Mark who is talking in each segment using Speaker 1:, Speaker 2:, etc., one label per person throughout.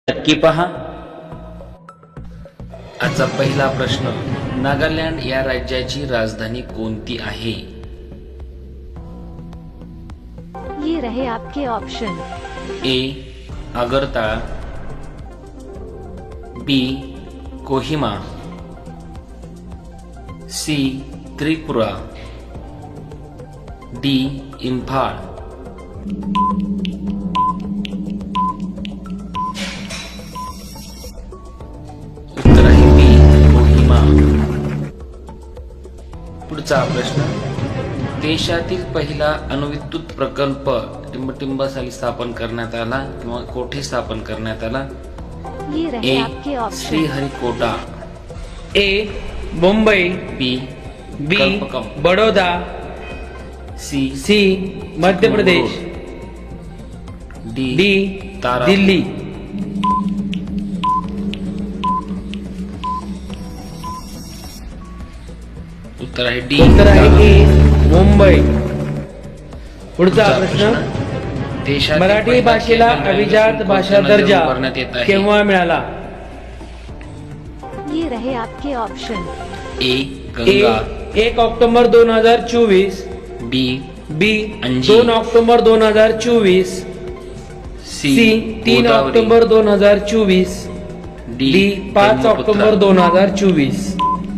Speaker 1: नक्की पहा। आजचा पहिला प्रश्न, नागालँड या राज्याची राजधानी कोणती आहे?
Speaker 2: ये रहे आपके option.
Speaker 1: A Agartala, B Kohima, C Tripura, D Imphal. उत्तर आहे बी कोहिमा। पुढचा प्रश्न, देशातील पहिला अणुविद्युत प्रकल्प टिंबटिंब साली स्थापन करण्यात आला किंवा कोठे स्थापन करण्यात आला?
Speaker 2: ये रहे
Speaker 1: ए
Speaker 2: आपके option.
Speaker 1: Sriharikota,
Speaker 3: A Mumbai,
Speaker 1: B
Speaker 3: B
Speaker 1: Kalpakkam,
Speaker 3: Baroda,
Speaker 1: C
Speaker 3: C Madhya Pradesh, D
Speaker 1: तारा
Speaker 3: दिल्ली।
Speaker 1: उत्तर आहे डी
Speaker 3: उत्तर आहे
Speaker 1: तारा।
Speaker 3: ए मुंबई। पुढचा प्रश्न,
Speaker 1: देशातील
Speaker 3: मराठी
Speaker 1: पहिला
Speaker 3: भाषेला
Speaker 1: केबल
Speaker 3: अभिजात
Speaker 1: रेल्वे
Speaker 3: भाषा
Speaker 1: पुनर्निर्माण
Speaker 3: दर्जा
Speaker 1: करण्यात येत आहे।
Speaker 3: केव्हा मिळाला?
Speaker 2: ये रहे आपके option.
Speaker 1: A
Speaker 3: A
Speaker 1: Ganga,
Speaker 3: 1 October 2024,
Speaker 1: B
Speaker 3: B
Speaker 1: Anji,
Speaker 3: 2 October 2024, C 3
Speaker 1: Godavari,
Speaker 3: October 2024, D 5 October 2024।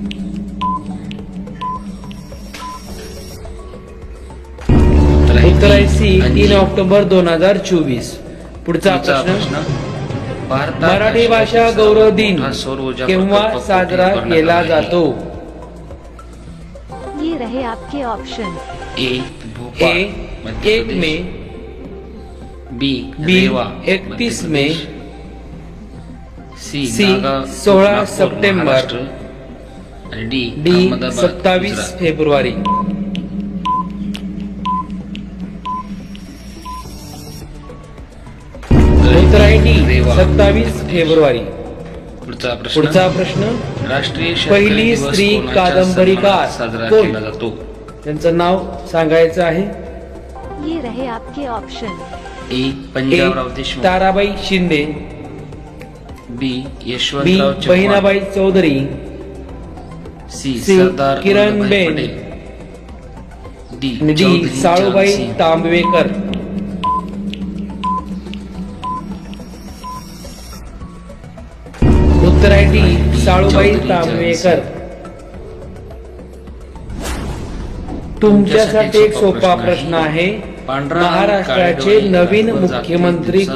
Speaker 3: उत्तर आहे सी 3 ऑक्टोबर 2024। पुढचा प्रश्न,
Speaker 1: भारतात
Speaker 3: मराठी भाषा गौरव दिन
Speaker 1: मोठा सौर ऊर्जा
Speaker 3: केव्हा
Speaker 1: प्रकल्प
Speaker 3: साजरा
Speaker 1: कुठे उभारण्यात
Speaker 3: केला
Speaker 1: आला आहे?
Speaker 3: जातो?
Speaker 2: ये रहे आपके ऑप्शन।
Speaker 1: ए
Speaker 3: ए
Speaker 1: भोपाळ, मध्य
Speaker 3: 1
Speaker 1: प्रदेश,
Speaker 3: मे,
Speaker 1: बी
Speaker 3: बी
Speaker 1: Rewa,
Speaker 3: 31
Speaker 1: Madhya
Speaker 3: May,
Speaker 1: Pradesh, C
Speaker 3: C 16
Speaker 1: Nagpur,
Speaker 3: September,
Speaker 1: Maharashtra, आणि डी
Speaker 3: डी
Speaker 1: अहमदाबाद,
Speaker 3: 27
Speaker 1: गुजरात।
Speaker 3: फेब्रुवारी। उत्तर आहे डी
Speaker 1: रेवा,
Speaker 3: 27 फेब्रुवारी।
Speaker 1: पुढचा प्रश्न,
Speaker 3: पुढचा प्रश्न,
Speaker 1: राष्ट्रीय शेतकरी
Speaker 3: पहिली
Speaker 1: दिवस
Speaker 3: स्त्री
Speaker 1: कोणाच्या
Speaker 3: कादंबरीकार
Speaker 1: सन्मानात साजरा
Speaker 3: कोण?
Speaker 1: केला जातो?
Speaker 3: त्यांचं नाव सांगायचं आहे।
Speaker 2: ये रहे आपके option.
Speaker 1: A
Speaker 3: A
Speaker 1: Panjabrao Deshmukh,
Speaker 3: Tarabai Shinde,
Speaker 1: B
Speaker 3: B
Speaker 1: Yashwantrao Chavan,
Speaker 3: Bahinabai Chaudhari,
Speaker 1: C
Speaker 3: C
Speaker 1: Sardar
Speaker 3: Kiran
Speaker 1: Vallabhbhai
Speaker 3: Ben,
Speaker 1: Patel, D
Speaker 3: D
Speaker 1: Chaudhari
Speaker 3: Salubai
Speaker 1: Jansing.
Speaker 3: Tambavekar. उत्तर आहे डी साळूबाई
Speaker 1: चौधरी
Speaker 3: तांबवेकर। तुमच्यासाठी एक सोपा प्रश्न आहे।
Speaker 1: पांढरा आणि काळ्या
Speaker 3: महाराष्ट्राचे
Speaker 1: डोळे
Speaker 3: नवीन
Speaker 1: दाखवत जातील
Speaker 3: मुख्यमंत्री